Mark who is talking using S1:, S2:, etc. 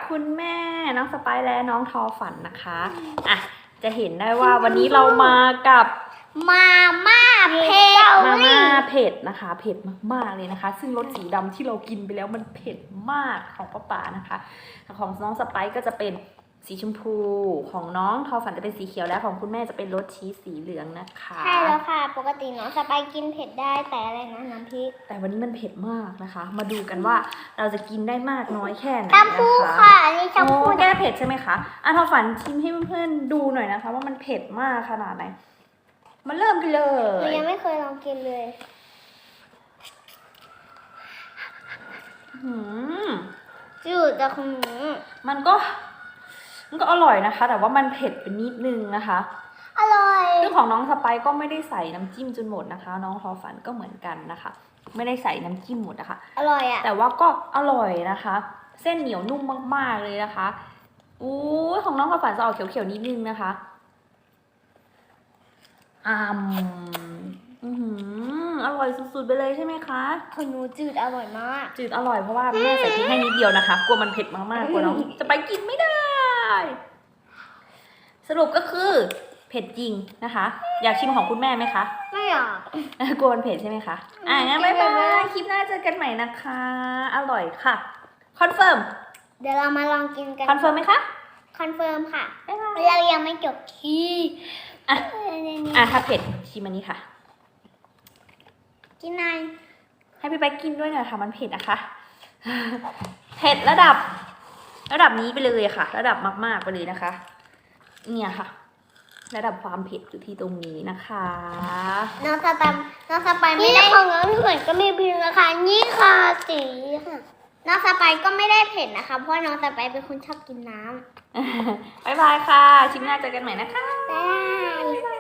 S1: คุณแม่น้องสไปซ์และน้องทอฝันนะคะอ่ะจะเห็นได้ว่าวันนี้เรามากับ
S2: มาม่าเผ็ด
S1: มาม่าเผ็ดนะคะเผ็ดมากๆเลยนะคะซึ่งรสสีดำที่เรากินไปแล้วมันเผ็ดมากของป้าป๋านะคะของน้องสไปซ์ก็จะเป็นสีชมพูของน้องทอฝันจะเป็นสีเขียวและของคุณแม่จะเป็นรสชีสสีเหลืองนะคะ
S2: ใช่แล้วค่ะปกติน้องสไปกินเผ็ดได้แต่อะไรนะน้ำพริก
S1: แต่วันนี้มันเผ็ดมากนะคะมาดูกันว่าเราจะกินได้มากน้อยแค่ไหน
S2: ชาพูค่ะนี่ชาพู
S1: แก้เผ็ดใช่ไหมคะทอฝันชิมให้เพื่อนๆดูหน่อยนะคะว่ามันเผ็ดมากขนาดไหนมาเริ่มกันเลย
S2: หนูยังไม่เคยลองกินเลยจืดแต่ของหนู
S1: มันก็อร่อยนะคะ แต่ว่ามันเผ็ดไปนิดนึงนะคะ
S2: อร่อย
S1: ซึ่งของน้องสไปซ์ก็ไม่ได้ใส่น้ำจิ้มจนหมดนะคะน้องทอฝันก็เหมือนกันนะคะไม่ได้ใส่น้ำจิ้มหมดนะคะ
S2: อร่อยอะ
S1: แต่ว่าก็อร่อยนะคะ เส้นเหนียวนุ่มมากๆเลยนะคะของน้องทอฝันจะออกเขียวๆนิดนึงนะคะอร่อยสุดๆไปเลยใช่ไหมคะ
S2: ของหนูจืดอร่อยมาก
S1: จืดอร่อยเพราะว่าแม่ใส่พริกให้นิดเดียวนะคะกลัวมันเผ็ดมากๆกลัวน้องจะไปกินไม่ได้สรุปก็คือเผ็ดจริงนะคะอยากชิมของคุณแม่ไหมคะ
S2: ไม่อยาก
S1: กลัวมันเผ็ดใช่ไหมคะงั้นบ๊ายบายคลิปหน้าเจอกันใหม่นะคะอร่อยค่ะคอนเฟิร์ม
S2: เดี๋ยวเรามาลองกินกัน
S1: คอนเฟิร์มไหมคะ
S2: คอนเฟิร์มค่ะเรายังไม่จบที่
S1: ถ้าเผ็ดชิมอันนี้ค่ะ
S2: กินนาย
S1: ให้พี่ไปกินด้วยหน่อยค่ะมันเผ็ดนะคะเผ็ดระดับนี้ไปเลยค่ะระดับมากๆไปเลยนะคะเนี่ยค่ะระดับความเผ็ดอยู่ที่ตรงนี้นะคะ
S2: น้องสไปไม่ได้ของน้องเหมือนก็มีพิมพ์นะคะนี่ค่ะสีค่ะน้องสไปก็ไม่ได้เผ็ดนะคะเพราะน้องสไปเป็นคนชอบกินน้ำ
S1: บ๊ายบายค่ะชิมหน้าเจอกันใหม่นะคะ
S2: บ๊ายบาย